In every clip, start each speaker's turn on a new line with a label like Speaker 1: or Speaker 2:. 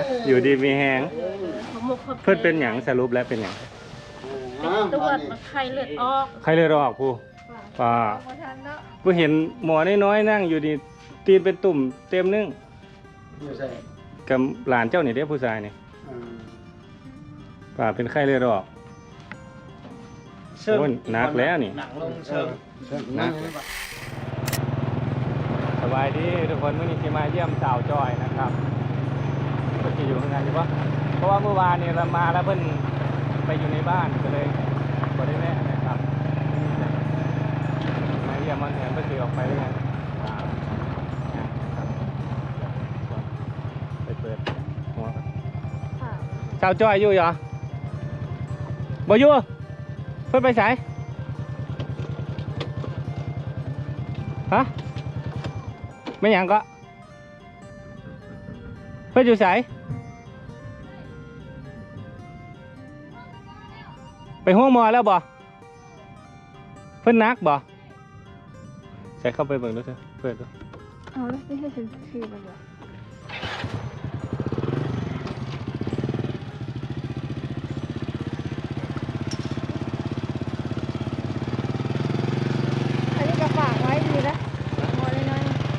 Speaker 1: อยู่ดีมีแหงเพื่อนเป็นหยังสรุปแล้วเป็นหยัง
Speaker 2: ตรวจไข้เลือดออก
Speaker 1: ใครเลยรอผู้ป่าผู้เห็นหมอน้อยๆนั่งอยู่ดีตีนเป็นตุ่มเต็มนึงกับหลานเจ้าเนี่ยเด็กผู้ชายเนี่ยป่าเป็นไข้เลยรอโอ้หนักแล้วนี่หนักสบายดีทุกคนวันนี้ที่มาเยี่ยมสาวจอยนะครับเพิ่นจะอยู่ทำงานอยู่ปะเพราะว่าเมื่อวานเนี่ยเรามาแล้วเพิ่นไปอยู่ในบ้านก็เลยบ่ได้แม่นะครับมาเยี่ยมมันเห็นเพิ่นสิออกไปด้วยกันไปเปิดหัวสาวจอยอยู่เหรอบ่อยู่เพิ่นไปไสฮะไม่หยังก็เพื่อนอยู่ไสไปห้องหมอแล้วบ่เพื่อนนักบ่ใส่เข้าไปเบิ่งดูเถอะเพื่อนดู
Speaker 2: เอาแล้วไม่ให้ฉันชื่อมันเหรออันนี้ก็ฝากไว้ดีนะหมอน้อย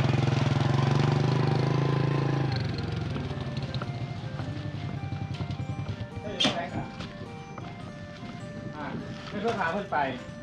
Speaker 1: ไม่ต้องถามเพื่อนไป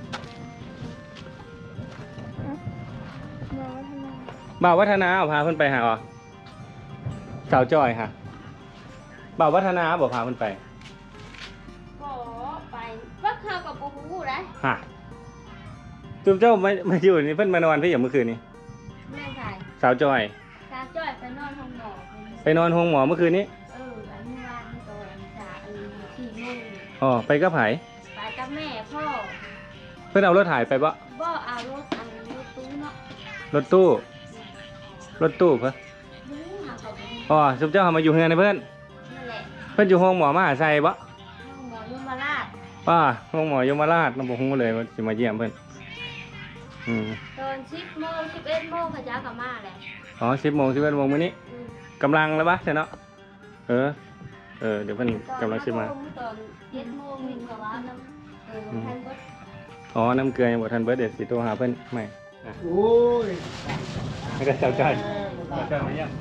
Speaker 1: บ่าววัฒนาเอาพาเพื่อนไปหาอ๋อสาวจอยค่ะบ่าววัฒนาบอกพาเพื่อนไป
Speaker 3: ขอไปว่าข้าวกับปูหูได้
Speaker 1: ฮะจุ๊บเจ้ามาอยู่นี่เพื่อนมานอนพี่อย่างเมื่อคืนนี้
Speaker 3: แม่ใส่
Speaker 1: สาวจอย
Speaker 3: สาวจ้อยไปนอนห้องหมอ
Speaker 1: ไปนอนห้องหมอเมื่อคืนนี้
Speaker 3: อันนี้วันตอน4 โมง
Speaker 1: อ๋อไปกับไผ
Speaker 3: ไปกับแม่พ่อ
Speaker 1: เพื่อนเอารถถ่ายไปบ่
Speaker 3: เอารถตู้เนาะ
Speaker 1: รถตู้เพื่ออ๋อจุ๊บเจ้ามาอยู่เฮือนในเพื่อน
Speaker 3: นั่นแหละ
Speaker 1: เพื่อนอยู่ห้องหมอมหาชัยบ่
Speaker 3: ห้องหมอยมราช
Speaker 1: ห้องหมอยมราชน้องบอกฮู้เลยว่าสิมาเยี่ยมเพื่อน
Speaker 3: ตอน10 โมง 11 โมงเขาจะกลับมาแหละ
Speaker 1: อ๋อ10 โมง 11 โมงมื้อนี้กำลังแล้วปะใช่เนาะเดี๋ยวเพื่อนกำลังสิมา
Speaker 3: ตอน7 โมงมีกับว่าน้ำทันเบิด
Speaker 1: อ๋อน้ำเกลือยังบ่ทันเบิดเดี๋ยวสิโทรหาเพื่อนใหม่
Speaker 4: โอ้ย
Speaker 1: ไม่ได้เจ้าใจมาเยี่ยม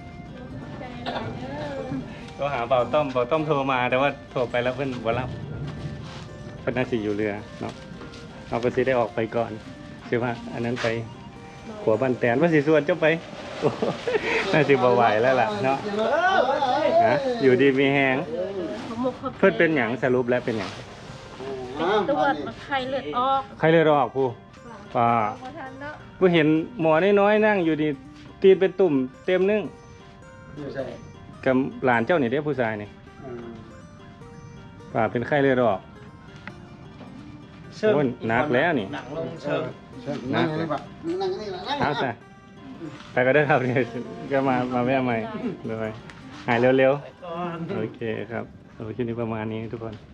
Speaker 1: โทรหาเบาต้อมโทรมาแต่ว่าโทรไปแล้วเพื่อนบ่รับเพื่อนน่าสิอยู่เรือเนาะเราก็สิได้ออกไปก่อนใช่ปะอันนั้นไปขัวบ้านแตนว่าสิส่วนเจ้าไปน่าสิบ่ไหวแล้วล่ะเนาะนะอยู่ดีมีแหงเพื่อนเป็นหยังสรุปแล้วเป็นหยัง
Speaker 2: ตรวจไข้เลือดออก
Speaker 1: ใครเลยรอผู้ป่าผู้เห็นหมอน้อยๆนั่งอยู่ดีตีนเป็นตุ่มเต็มนึงกับหลานเจ้าเนี่ยเด็กผู้ชายเนี่ยป่าเป็นไข้เลยรอโอ้หนักแล้วนี่หนักเลยเอาซะไปก็ได้ครับเนี่ยก็มาแวะใหม่เลยหายเร็วๆโอเคครับคลิปนี้ประมาณนี้ทุกคน